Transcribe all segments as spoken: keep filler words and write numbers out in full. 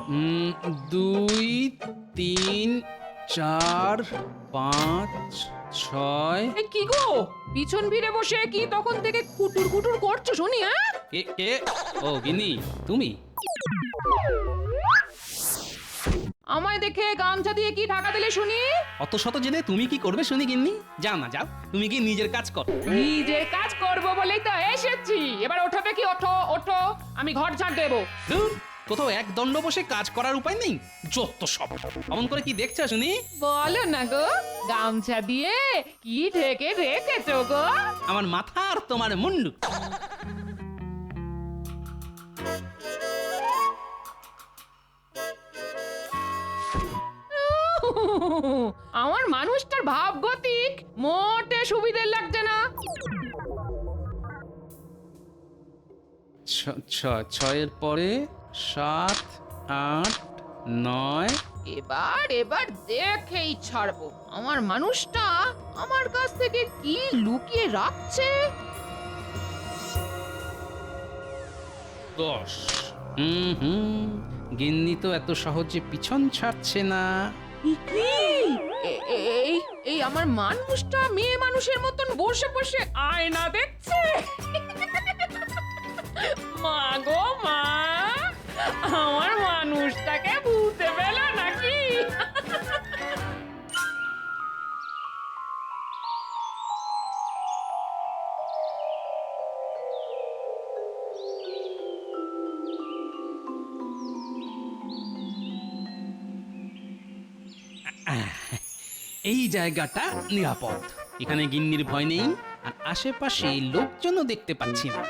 উম, দুই তিন চার পাঁচ ছয়। এ কি গো, পিছন ফিরে বসে কি তখন থেকে কুটুর কুটুর করছো শুনি? হ্যাঁ, কে কে? ও গিন্নি, তুমি? আমায় দেখে গামছা দিয়ে কি ঢাকা দিলে শুনি? অত শত জেনে তুমি কি করবে শুনি গিন্নি? যাও না যাও, তুমি কি নিজের কাজ কর। নিজের কাজ করব বলেই তো এসেছি। এবার ওঠো দেখি, ওঠো ওঠো, আমি ঘর ঝাড় দেবো। ধুর, কোথাও এক দণ্ড বসে কাজ করার উপায় নেই? যত সব। অমন করে কি দেখছো শুনি? বলো না গো, গামছা দিয়ে কি ঢেকে রেখেছো গো? আমার মাথা আর তোমার মুন্ডু। আমার মানুষটার ভাবগতিক মোটে সুবিধে লাগছে না। ছ- ছ- ছয়ের পরে সাত আট নয়। এবার এবার দেখেই ছাড়বো আমার মানুষটা আমার কাছ থেকে কি লুকিয়ে রাখছে। দশ। হুম হুম, গিন্নি তো এত সহজে পিছন ছাড়ছে না। এ- এই এই আমার মানুষটা মেয়ে মানুষের মতন বসে বসে আয়না দেখছে। মা গো মা, আমার মানুষটাকে ভূতে পেলে নাকি? এই জায়গাটা নিরাপদ, এখানে গিন্নির ভয় নেই, আর আশেপাশে লোকজনও দেখতে পাচ্ছি না।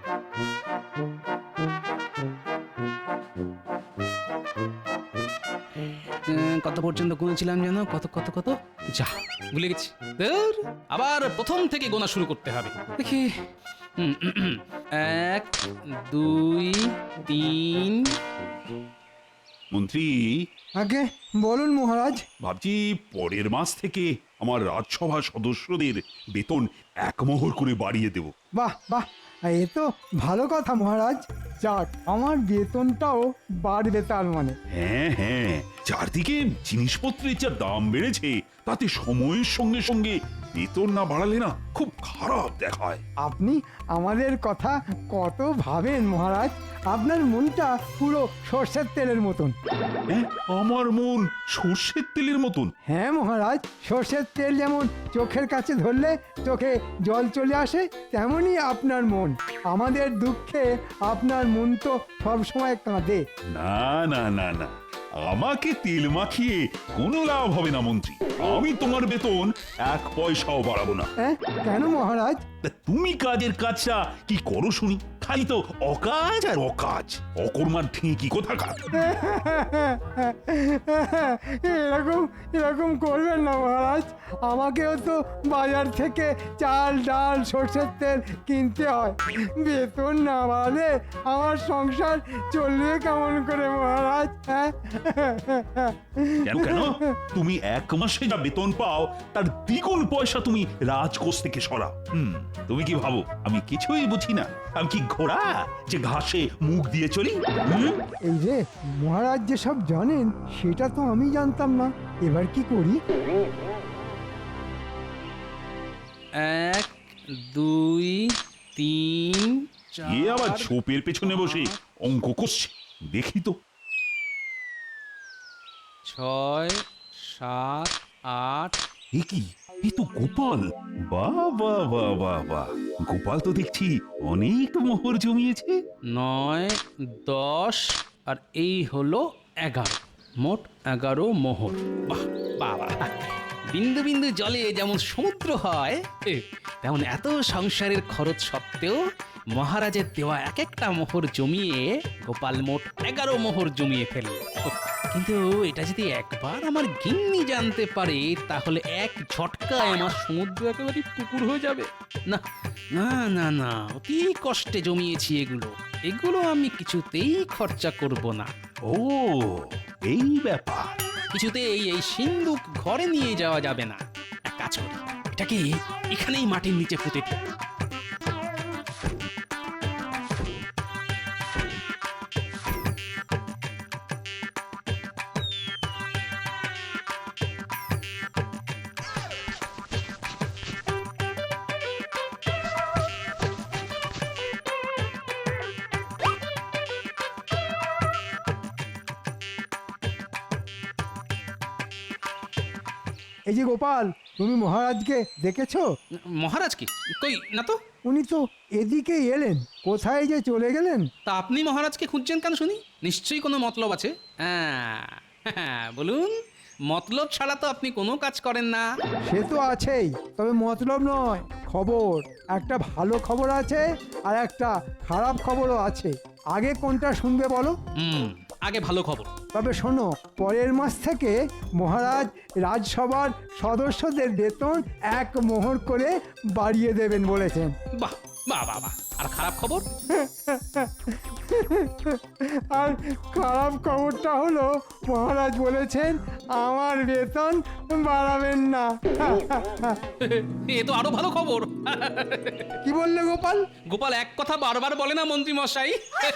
উম, কত পর্যন্ত গুনেছিলাম যেন? কত কত কত যা ভুলে গেছি। ধুর, আবার প্রথম থেকে গোনা শুরু করতে হবে। দেখি, হুম, উম, উম, এক দুই তিন। মন্ত্রী, আগে বলুন মহারাজ। ভাবছি পরের মাস থেকে আমার রাজসভা সদস্যদের বেতন এক মোহর করে বাড়িয়ে দেব। বাহ বাহ, এ তো ভালো কথা মহারাজ। যাক, আমার বেতনটাও বাড়বে তার মানে। হ্যাঁ হ্যাঁ, চারদিকে জিনিসপত্রের যা দাম বেড়েছে, তাতে সময়ের সঙ্গে সঙ্গে বেতন না বাড়ালে না খুব খারাপ দেখায়। আপনি আমাদের কথা কত ভাবেন মহারাজ। আপনার মনটা পুরো সর্ষের তেলের মতন। হ্যাঁ, আমার মন সর্ষের তেলের মতন। হ্যাঁ মহারাজ, সর্ষের তেল যেমন চোখের কাছে ধরলে চোখে জল চলে আসে, তেমনই আপনার মন। আমাদের দুঃখে আপনার মন তো সবসময় কাঁদে। না না না না, আমাকে তেল মাখিয়ে কোনো লাভ হবে না মন্ত্রী। আমি তোমার বেতন এক পয়সাও বাড়াবো না। হ্যাঁ, কেন মহারাজ? তা তুমি কাজের কাজটা কি করো শুনি? খালি তো অকাজ আর অকাজ, অকর্মার ঢেঁকি কোথাকার। এরকম এরকম করবেন না মহারাজ। আমাকেও তো বাজার থেকে চাল ডাল সর্ষের তেল কিনতে হয়। বেতন না বাড়লে আমার সংসার চলবে কেমন করে মহারাজ? হ্যাঁ, কেন কেন? তুমি এক মাসে যা বেতন পাও তার দ্বিগুণ পয়সা তুমি রাজকোষ থেকে সরাও। হুম, তুমি কি ভাবো আমি কিছুই বুঝি না? আমি কি ঘোড়া যে ঘাসে মুখ দিয়ে চলি? হুম? এই যে মহারাজ যেসব জানেন সেটা তো আমি জানতাম না। এবার কি করি? এক দুই তিন এ আবার চার ছোপের পেছনে বসে অঙ্ক করছে, দেখি তো। ছয় সাত আট। এ কি, এ তো গোপাল। বাহ বাহ বাহ বাহ বাহ, গোপাল তো দেখছি অনেক মোহর জমিয়েছে। নয় দশ আর এই হলো এগারো, মোট এগারো মোহর। বাহ বাবা, বিন্দু বিন্দু জলে যেমন সমুদ্র হয়, এ, তেমন এত সংসারের খরচ সত্ত্বেও মহারাজের দেওয়া এক একটা মোহর জমিয়ে গোপাল মোট এগারো মোহর জমিয়ে ফেলল। কিন্তু এটা যদি একবার আমার গিন্নি জানতে পারে, তাহলে এক ঝটকায় আমার সমুদ্র একেবারে পুকুর হয়ে যাবে। না না না না, অতি কষ্টে জমিয়েছি এগুলো, এগুলো আমি কিছুতেই খরচা করব না। ও, এই ব্যাপার। কিছুতেই এই সিন্ধুক ঘরে নিয়ে যাওয়া যাবে না। এক কাজ করি, এটাকে এখানেই মাটির নিচে পুঁতে দিই। এই যে গোপাল, তুমি মহারাজকে দেখেছো? মহারাজ কি কই না তো। উনি তো এদিকে এলেন, কোথায় যে চলে গেলেন। তা আপনি মহারাজকে খুঁজছেন কেন শুনি? নিশ্চয়ই কোনো মতলব আছে। হ্যাঁ হ্যাঁ, বলুন, মতলব ছাড়া তো আপনি কোনো কাজ করেন না। সে তো আছেই, তবে মতলব নয়, খবর। একটা ভালো খবর আছে আর একটা খারাপ খবরও আছে। আগে কোনটা শুনবে বলো? হুম, আগে ভালো খবর। তবে শোনো, পরের মাস থেকে মহারাজ রাজসভার সদস্যদের বেতন এক মোহর করে বাড়িয়ে দেবেন বলেছেন। বাহ বাহ বাহ বাহ। আর খারাপ খবর? আর খারাপ খবরটা হলো মহারাজ বলেছেন আমার বেতন বাড়াবেন না। এ তো আরো ভালো খবর। কি বললে গোপাল? গোপাল এক কথা বারবার বলে না মন্ত্রী মশাই।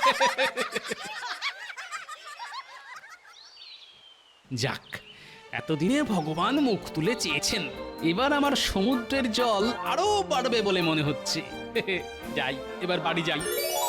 যাক, এতদিনে ভগবান মুখ তুলে চেয়েছেন, এবার আমার সমুদ্রের জল আরো বাড়বে বলে মনে হচ্ছে। যাই, এবার বাড়ি যাই।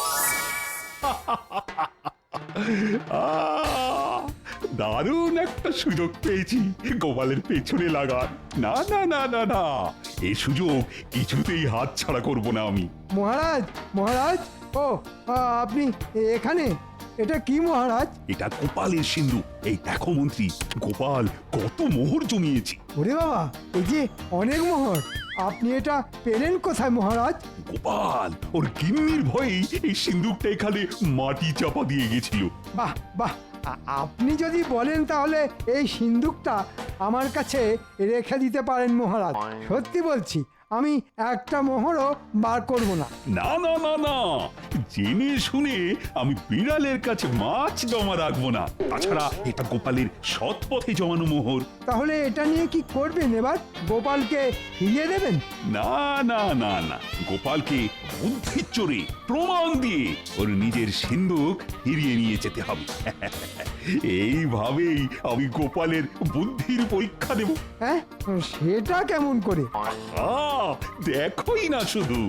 আহ, দারুণ একটা সুযোগ পেয়েছি গোপালের পেছনে লাগার। না না না না না, এই সুযোগ কিছুতেই হাত ছাড়া করব না আমি। মহারাজ, মহারাজ, ও আ, আপনি এখানে? এটা কি মহারাজ? এটা গোপালের সিন্ধু। এই দেখো মন্ত্রী, গোপাল কত মোহর জমিয়েছে। ওরে বাবা, এই যে অনেক মোহর। আপনি এটা পেলেন কোথায় মহারাজ? গোপাল ওর গিন্নির ভয়েই এই সিন্ধুকটা এখানে মাটি চাপা দিয়ে গেছিল। বাহ বাহ, আ- আপনি যদি বলেন তাহলে এই সিন্দুকটা আমার কাছে রেখে দিতে পারেন মহারাজ। সত্যি বলছি, আমি একটা মোহরও বার করব না। না না না না, জেনে শুনে আমি বিড়ালের কাছে মাছ জমা রাখবো না। তাছাড়া এটা গোপালের সৎ পথে জমানো মোহর। তাহলে এটা নিয়ে কি করবেন এবার? গোপালকে ফিরিয়ে দেবেন? না না না না, গোপালকে বুদ্ধির চোরে প্রমাণ দিয়ে ওর নিজের সিন্ধুক ফিরিয়ে নিয়ে যেতে হবে। এইভাবেই আমি গোপালের বুদ্ধির পরীক্ষা দেব। হ্যাঁ, সেটা কেমন করে? আহ, দেখোই না শুধু।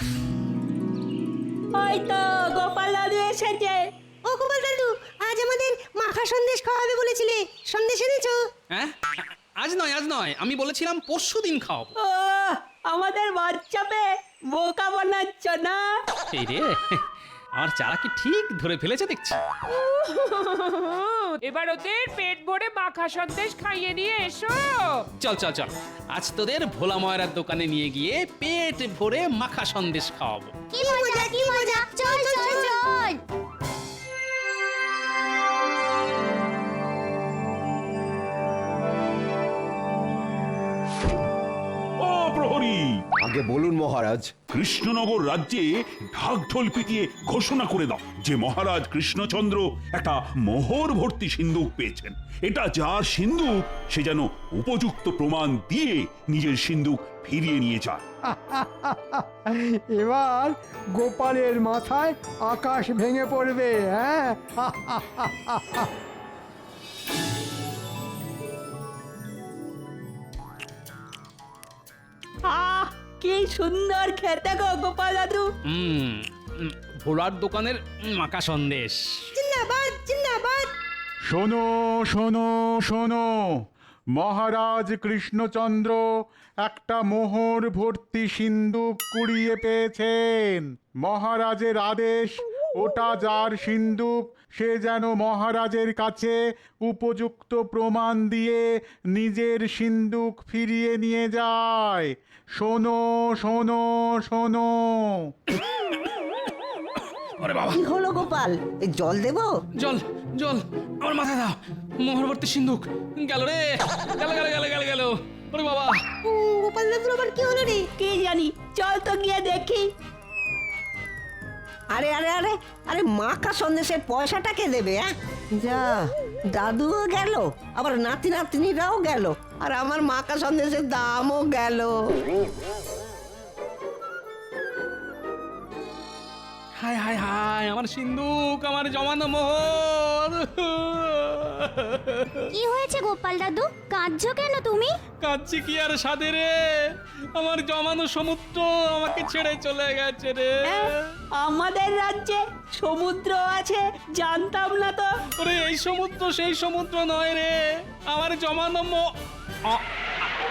ওই তো গোপাল দাদু এসেছে। ও গোপাল দাদু, আজ আমাদের মাখা সন্দেশ খাওয়াবে বলেছিলে, সন্দেশ এনেছো? হ্যাঁ, আজ নয় আজ নয়, আমি বলেছিলাম পরশু দিন খাওয়াবো। ও আমাদের বাচ্চা পেয়ে বোকা বানাচ্ছ না? এই রে, আমার চারা কি ঠিক ধরে ফেলেছে দেখছি। এবার ওদের পেট ভরে মাখা সন্দেশ খাইয়ে নিয়ে এসো। চল চল চল, আজ তোদের ভোলা ময়রার দোকানে নিয়ে গিয়ে পেট ভরে মাখা সন্দেশ খাওয়াবো। কি মজা কি মজা, চল চল চল। ও প্রহরী, আগে বলুন মহারাজ। কৃষ্ণনগর রাজ্যে ঢাকঢোল পিটিয়ে ঘোষণা করে দাও যে মহারাজ কৃষ্ণচন্দ্র একটা মোহর ভর্তি সিন্ধুক পেয়েছেন। এটা যার সিন্ধুক সে যেন উপযুক্ত প্রমাণ দিয়ে নিজের সিন্ধুক ফিরিয়ে নিয়ে যায়। এবার গোপালের মাথায় আকাশ ভেঙে পড়বে। হ্যাঁ, আহ কি সুন্দর খেতে গো গোপাল দাদু। হুম, ভোলার দোকানের মাখা সন্দেশ। জিন্দাবাদ জিন্দাবাদ। শোনো শোনো শোনো, মহারাজ কৃষ্ণচন্দ্র একটা মোহর ভর্তি সিন্ধুক কুড়িয়ে পেয়েছেন। মহারাজের আদেশ, ওটা যার সিন্ধুক সে যেন মহারাজের কাছে উপযুক্ত প্রমাণ দিয়ে নিজের সিন্ধুক ফিরিয়ে নিয়ে যায়। শোনো শোনো শোনো। কি হলো গোপাল, এই জল দেবো? জল জল আমার মাথায় দাও। মোহরবর্তী সিন্ধুক গেল রে, গেল গেল গেল গেল গেল। ওরে বাবা, গোপাল দাদুর আবার কি হলো রে? কে জানি, চল তো গিয়ে দেখি। আরে আরে আরে আরে মাখা সন্দেশের পয়সাটা কে দেবে? হ্যাঁ, যা, দাদুও গেল, আবার নাতি নাতনিরাও গেল, আর আমার মাখা সন্দেশের দামও গেল। হায় হায় হায়, আমার সিন্ধুক, আমার জমানো মোহর। কি হয়েছে গোপাল দাদু, কাঁদছো কেন তুমি? কাঁদছি কি আর সাধে রে, আমার জমানো সমুদ্র আমাকে ছেড়ে চলে গেছে রে। আমাদের রাজ্যে সমুদ্র আছে, জানতাম না তো। ওরে, এই সমুদ্র সেই সমুদ্র নয় রে, আমার জমানো মো আ-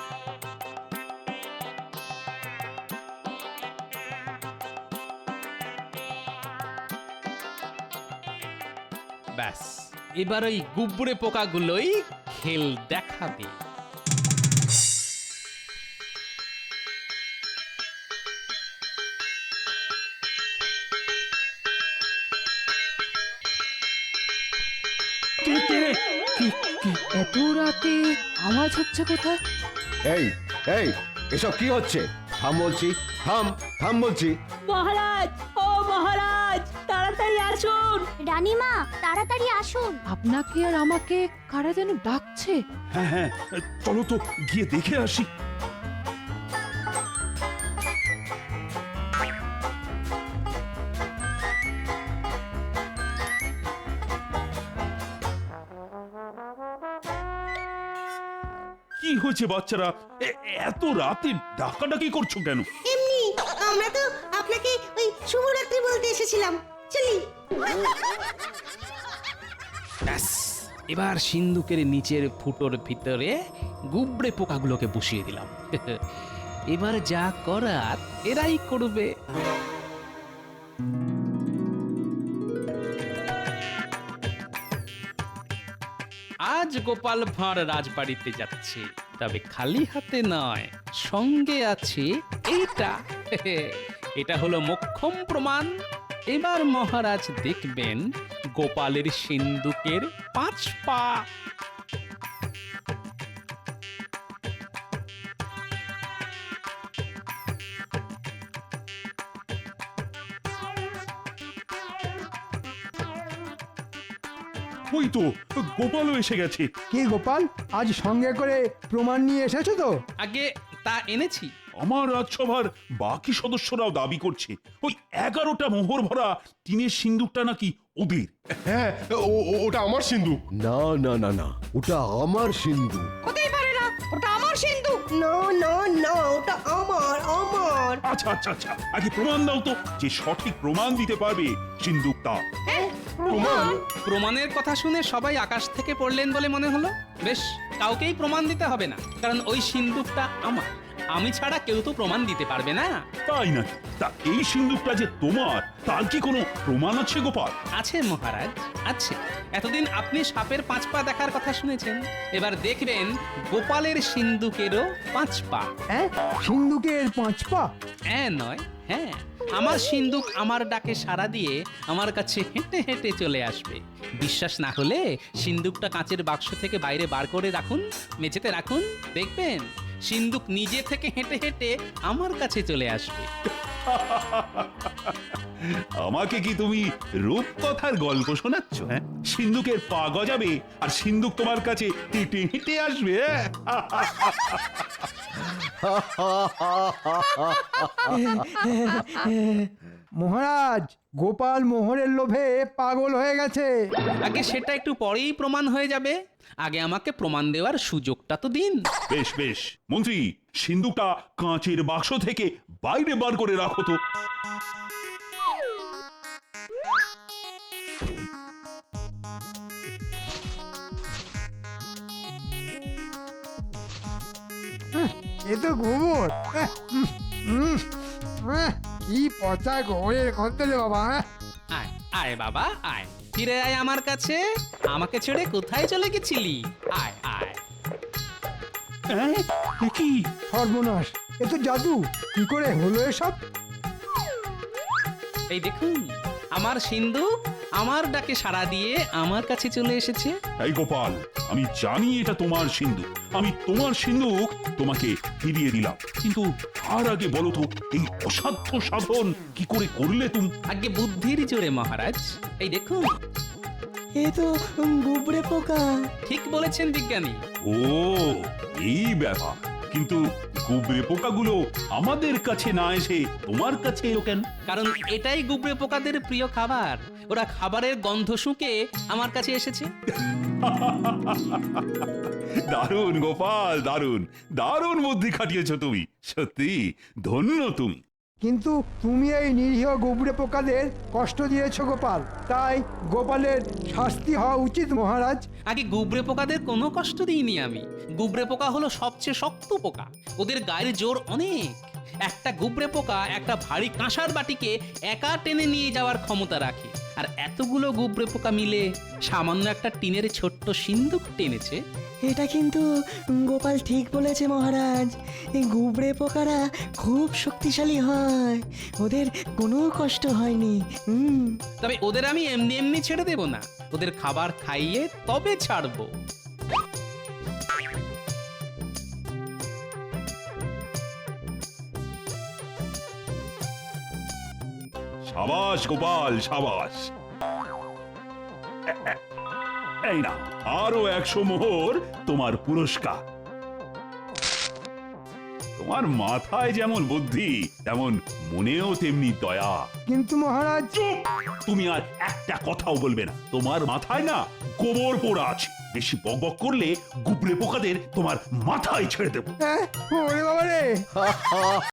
ব্যাস এবার ওই গুবরে পোকাগুলোই খেল দেখাবে। এত রাতে আওয়াজ হচ্ছে কোথায়? এই এই এসব কি হচ্ছে? থাম বলছি, থাম থাম বলছি। মহারাজ, ও মহারাজ, তাড়াতাড়ি আসুন। রানীমা তাড়াতাড়ি আসুন। আপনাকে আর আমাকে কারা যেন ডাকছে। হ্যাঁ হ্যাঁ চলো তো গিয়ে দেখে আসি। কি হয়েছে বাচ্চারা, এ- এত রাতে ডাকাডাকি করছো কেন? এমনি আমরা তো আপনাকে ওই শুভরাত্রি বলতে এসেছিলাম। চলি। ব্যাস এবার সিন্ধুকের নিচের ফুটোর ভিতরে গুবরে পোকাগুলোকে বসিয়ে দিলাম। এবার যা করার এরাই করবে। আজ গোপাল ভাঁড় রাজবাড়িতে যাচ্ছে, তবে খালি হাতে নয়, সঙ্গে আছে এইটা। এটা হলো মোক্ষম প্রমাণ। এবার মহারাজ দেখবেন গোপালের সিন্ধুকের পাঁচ পা। ওই তো গোপালও এসে গেছে। কি গোপাল, আজ সঙ্গে করে প্রমাণ নিয়ে এসেছো তো? আগে তা এনেছি। আমার রাজসভার বাকি সদস্যরাও দাবি করছে ওই এগারোটা মোহর ভরা টিনের সিন্দুকটা নাকি ওদের। হ্যাঁ ও- ও- ওটা আমার সিন্ধু। না না না না, ওটা আমার সিন্ধু। হতেই পারে না, ওটা আমার সিন্ধু। নো নো নো, ওটা আমার আমার। আচ্ছা আচ্ছা আচ্ছা আগে প্রমাণ দাও তো, যে সঠিক প্রমাণ দিতে পারবে সিন্দুকটা। প্রমাণ? প্রমাণের কথা শুনে সবাই আকাশ থেকে পড়লেন বলে মনে হলো। বেশ, কাউকেই প্রমাণ দিতে হবে না, কারণ ওই সিন্দুকটা আমার। আমি ছাড়া কেউ তো প্রমাণ দিতে পারবে না। তাই নাকি? তা এই সিন্দুকটা যে তোমার তার কি কোনো প্রমাণ আছে গোপাল? আছে মহারাজ, আছে। এতদিন আপনি সাপের পাঁচ পা দেখার কথা শুনেছেন, এবার দেখবেন গোপালের সিন্দুকেরও পাঁচ পা। হ্যাঁ, সিন্ধুকের পাঁচ পা? হ্যাঁ নয়, হ্যাঁ। আমার সিন্দুক আমার ডাকে সাড়া দিয়ে আমার কাছে হেঁটে হেঁটে চলে আসবে। বিশ্বাস না হলে সিন্দুকটা কাঁচের বাক্স থেকে বাইরে বার করে রাখুন, মেঝেতে রাখুন, দেখবেন সিন্দুক নিজে থেকে হেঁটে হেঁটে আমার কাছে চলে আসবে। আমাকে কি তুমি রূপকথার গল্প শোনাচ্ছ? হ্যাঁ, সিন্ধুকের পা গজাবে আর সিন্ধুক তোমার কাছে হেঁটে হেঁটে আসবে। মহারাজ, গোপাল মোহরের লোভে পাগল হয়ে গেছে। আগে সেটা একটু পরেই প্রমাণ হয়ে যাবে, আগে আমাকে প্রমাণ দেওয়ার সুযোগটা তো দিন। বেশ বেশ মন্ত্রী, সিন্ধুকটা কাঁচের বাক্স থেকে বাইরে বার করে রাখো তো। এ তো গোবর। আহ, উম, উম, আহ, কি পচা গোবরের গন্ধ রে বাবা। আহ। আয় আয় বাবা আয়, ফিরে আয় আমার কাছে। আমাকে ছেড়ে কোথায় চলে গেছিলি? আয় আয়। হ্যাঁ, এ কি? সর্বনাশ, এ তো জাদু। কি করে হলো এসব? এই দেখুন, আমার সিন্ধুক আমার ডাকে সাড়া দিয়ে আমার কাছে চলে এসেছে। এই গোপাল, আমি জানি এটা তোমার সিন্ধুক, আমি তোমার সিন্ধুক তোমাকে ফিরিয়ে দিলাম, কিন্তু তার আগে বলো তো এই অসাধ্য সাধন কি করে করলে তুমি? আগে বুদ্ধির জোরে মহারাজ। এই দেখুন, এ তো গুবরে পোকা। ঠিক বলেছেন বিজ্ঞানী। ও, এই ব্যাপার। কিন্তু গুবরে পোকাগুলো আমাদের কাছে না এসে তোমার কাছে এলো কেন? কারণ এটাই গুবরে পোকাদের প্রিয় খাবার। ওরা খাবারের গন্ধ শুঁকে আমার কাছে এসেছে। দারুণ গোপাল, দারুণ দারুণ বুদ্ধি খাটিয়েছো তুমি, সত্যি ধন্য তুমি। কিন্তু তুমি এই নিরীহ গোবরে পোকাদের কষ্ট দিয়েছো গোপাল, তাই গোপালের শাস্তি হওয়া উচিত মহারাজ। আগে গুবরে পোকাদের কোনো কষ্ট দিইনি আমি। গুবরে পোকা হলো সবচেয়ে শক্ত পোকা, ওদের গায়ের জোর অনেক। একটা গুবরে পোকা একটা ভারী কাঁসার বাটিকে একা টেনে নিয়ে যাওয়ার ক্ষমতা রাখে, আর এতগুলো গুবরে পোকা মিলে সামান্য একটা টিনের ছোট্ট সিন্দুক টেনেছে। এটা কিন্তু গোপাল ঠিক বলেছে মহারাজ, এই গুবরে পোকারা খুব শক্তিশালী হয়, ওদের কোনো কষ্ট হয়নি। হুম তবে ওদের আমি এমনি এমনি ছেড়ে দেব না, ওদের খাবার খাইয়ে তবে ছাড়বো। সাবাস গোপাল, সাবাস। এ- এ- এই না, আরো একশো মোহর তোমার পুরস্কার। তোমার মাথায় যেমন বুদ্ধি, তেমন মনেও তেমনি দয়া। কিন্তু মহারাজ, চুপ! তুমি আর একটা কথাও বলবে না। তোমার মাথায় না গোবর পোড়া আছে, বেশি বকবক করলে গুবরে পোকাদের তোমার মাথায় ছেড়ে দেবো। হ্যাঁ, ওরে বাবা রে,